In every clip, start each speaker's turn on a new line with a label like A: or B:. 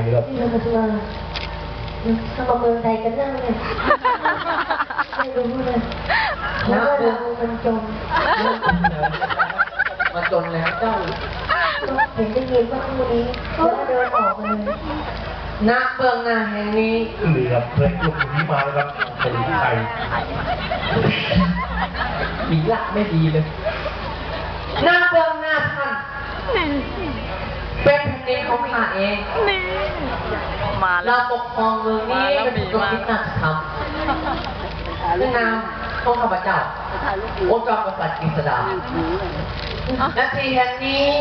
A: ครับ
B: ที่เรามาทำมาเมืองไทยกันนั่งเนี่ยไม่รู้เลยแล้วก็เรามันจม
C: มาจนแล้วเจ้า
B: เห็นได้ยินว่าคู่นี้แล้วก็เดินออกมาเลย
C: ณเบื้องหน้าแห่งนี้
A: นี่ครับเพื่อนกลุ่มนี้มาแล้วครับเป็นใคร
C: มีละไม่ดีเลยณเบื้องหน้าท่านเป็นแผ่นดินของข้าเองเราปกครองเมืองนี้เป็นกรมที่น่าทำซึ่งนามของข้าพเจ้าโอจอมกษัตริย์กฤษดาและที่แห่งนี้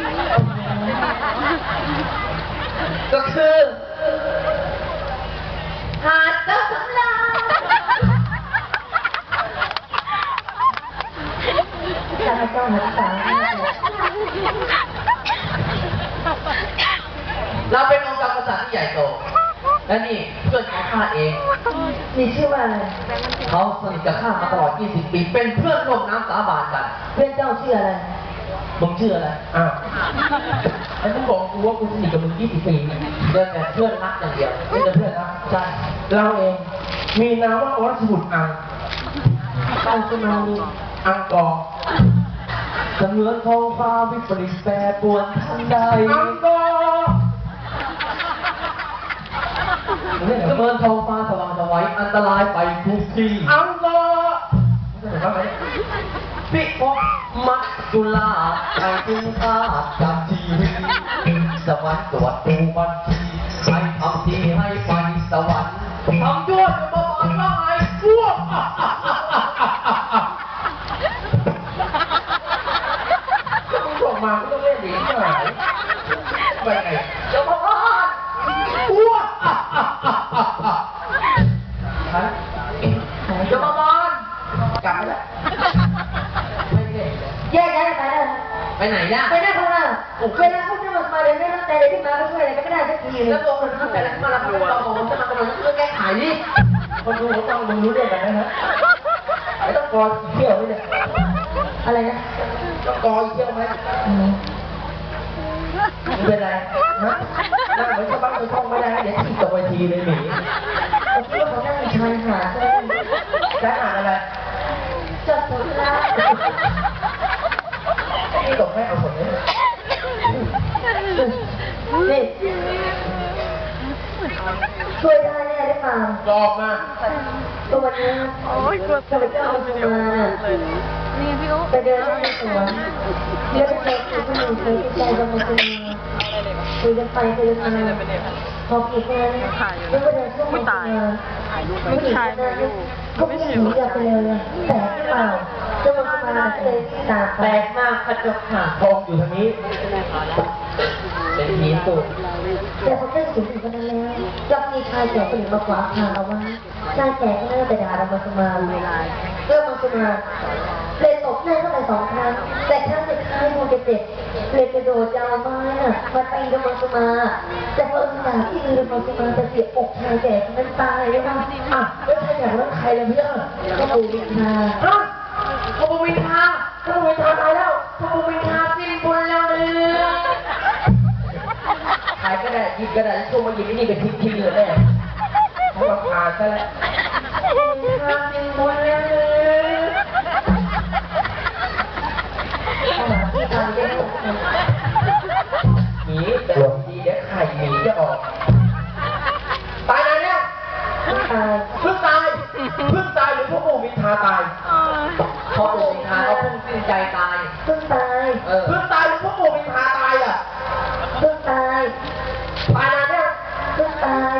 C: ก็คือหาดเจ้าสำราญ
B: ข้าพเจ้าหันษา
C: เราเป็นองค์การกษัตริย์ที่ใหญ่โตและนี่เพื่อนของข้าเอง
B: มีชื่อว่าอะไร
C: เขาสนิทกับข้ามาตลอด20 ปีเป็นเพื่อนร่วมน้ำสาบานกัน
B: เพื่อนเจ้าชื่ออะไร
C: มึงชื่ออะไรอ้าวไอ้มึงบอกกูว่ากูสนิทกับมึง20 ปีเดินแต่เพื่อนรักอย่างเดียวไม่ใช่เพื่อนรักใช่เราเองมีนามว่าอรสบุตรอังสมานีอังกอร์เสมือนท้องฟ้าวิปริตแปรปรวนทันใดอังกอร์เสมือนท้องฟ้าสว่างสวัยอันตรายไปทุกที่อังกอร์ปิภพมัจจุราชไอ้ถึงข้าจากชีวิตสวรรค์ตรวจดูบัญชีให้ทำทีให้ไปสวรรค์ทำด้วยจะมาบอกว่าไอ้พวกมึงส่งมาก็ต้องเล่นดีใช่ไหมไปไงจะมาบอกพวกจะมาบอกกลับไปแล้ว
B: แยกย้ายไปแล้ว
C: ไปไหนล่ะ
B: ไปได้คนละเวลาเขาจะมาเดินได้ตั้งแต่ที่มาก็ช่วยอะไรก็ได้สักที
C: แล้วตัวคนนั้นแต่ละมาแล้วก็ต้องบอกจะมาตลอดก็แก้ไขดิคนดูเขาต้องรู้เรื่องกันนะฮะไอ้ต้องกอเที่ยวนี่เนี่ย
B: อะไรนะ
C: ต้องกอเที่ยวไหมเป็นไรนะนั่งเหมือนชาวบ้านชาวช่องไม่ได้เดี๋ยวที่ตกเวทีเลยหนี
B: ผมคิดว่าเขานั่งชายหาด
C: ชายหาดอะไร
B: จับสุดละ
C: นี่ตกไม่เอาผลเลย
B: นี่ช่วยได้แน่ได้เปล่า
C: จอบมา
B: ตัววันนี้ข้าพเจ้ามาไปเดินในสวนแล้วไปเจอผู้หญิงเคยติดใจกับมันคุยกันไปคุยกันมาพออีกงานแล้วก็เดินช่วงมาผู้หญิงนั้นก็ไม่หนีกลับไปเลยแต่เปล่าเจ้ามาเลยตา
C: แปลกมากกระจกหาทองอยู่ทางนี้เป็นหินตัว
B: แต่พอเจ้าสูงอยู่กันแล้วยังมีชายแก่คนอื่นมาขวางทางเราว่าชายแก่ก็น่าไปด่าเรามาสมาเริ่มมาสมาเลยตบหน้าเข้าไป2 ครั้งแต่ครั้งสุดท้ายมูจะเจ็บเลยกระโดดจะเอาไม้มาตีเรามาสมาแต่พอสมาที่มือเรามาสมาจะเสียอกชายแก่นั้นตายเลยนะ
C: แล้วใครอยากรักใครเลยเพื่อน
B: ก็ปูวิชา
C: ขบวินทาขบวินทาตายแล้วขบวินทาสิ้นบุญแล้วเนี่ยขายก็ได้ยิบก็ได้ช่วงมาหยิบนี่เป็นทิ้งเลยแน่เพราะว่าขาดซะแล้วทาสิ้นบุญแล้วหนีแต่ดีเดี๋ยวไข่หนีจะออกตายนานเนี่ยเพิ่งตายหรือพวกปู่มินทาตายพอปู่มินทาเขาเพิ่งสิ้นใจตาย
B: เพิ่งตาย
C: หรือพวกปู่มินทาตายอ่ะ
B: เพิ่งตาย
C: นานเนี่ย
B: เพิ่งตาย
C: ห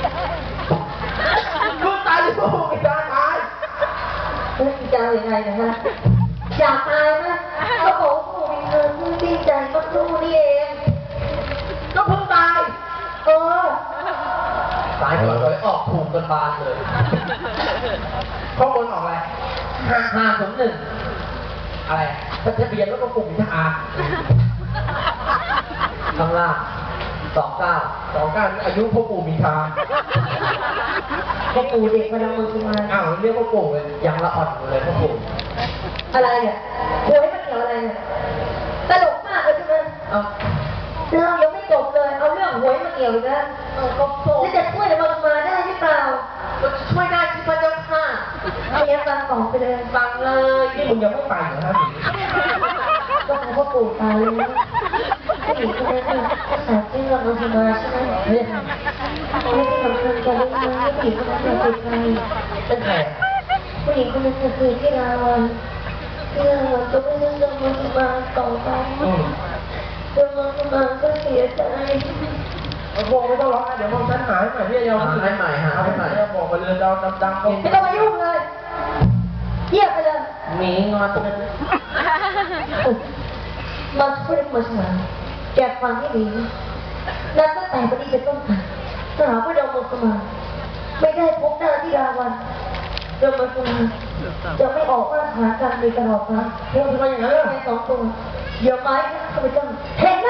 C: รือพวกปู่มินทาตาย
B: จะเอาอย่างไรนะฮะอยากตายไหมเขาบอกปู่มินทาเพิ่งสิ้นใจเมื่อครู่นี่เอง
C: ก็เพิ่งตายสายก่อนเลยออกถูกกันบานเลยข้อมูลออกอะไร501อะไรทะเบียนแล้วก็ปุ่มทหารข้างล่าง29นี่อายุพ่อปู่มินทา
B: พ่อปู่เด็กมาดังมือมา
C: อ้าวเรียกพ่อปู่เลยยังละอ่อนเลยพ่อปู่
B: อะไรเนี่ยโวยมันเกี่ยวอะไรเนี่ยตลกมากเลยใช่ไหมเรายังไม่จบเลยเอาเรื่องหวยมาเกี่ยวอีกแล้วก็โผล่จะช่วยเดี๋ยวมาได้หรือเปล่า
C: ช่วยได้ที่พระเจ้าค่ะ
B: ไม่งั้นฟังของไปเลย
C: ฟังเลยนี่มึงยังไม่ไปเหรอฮะหนี
B: ก็เขาก็ปู่ตายแล้วผู้หญิงคนนั้นน่ะสาวที่เราทำมาใช่ไหม
C: เฮ้ย
B: ไม่ได้สำคัญกันเลยนะผู้หญิงคนนั้นเป็นใคร
C: เป็นใคร
B: ผู้หญิงคนนั้นคือที่ราวันที่ราวันก็ไม่ได้เรื่องมันมาต่อไปเรื่องมันมาก็เสียใจ
C: โบไม่ต้องร้องนะเดี๋ยวพวกฉันหายใหม่พี่เดียวให้ใหม่หาให้ใหม่บอกไปเลยเราดังๆ
B: ไม่ต้องมายุ่งเลยเยียบไปเลย
C: หนีงอนกัน
B: มาพูดมาฉลาดแกฟังให้ดีนับตั้งแต่วันนี้เป็นต้นไปสหพระดมสมาไม่ได้พบหน้าที่ราวันดมสมาจะไม่ออกว่าหากันในตลอดนะ
C: พูดทำไมอย่างนั้นล่ะ
B: แค่2 ตัวเดี๋ยวไม้ข้าพเจ้าเห็นห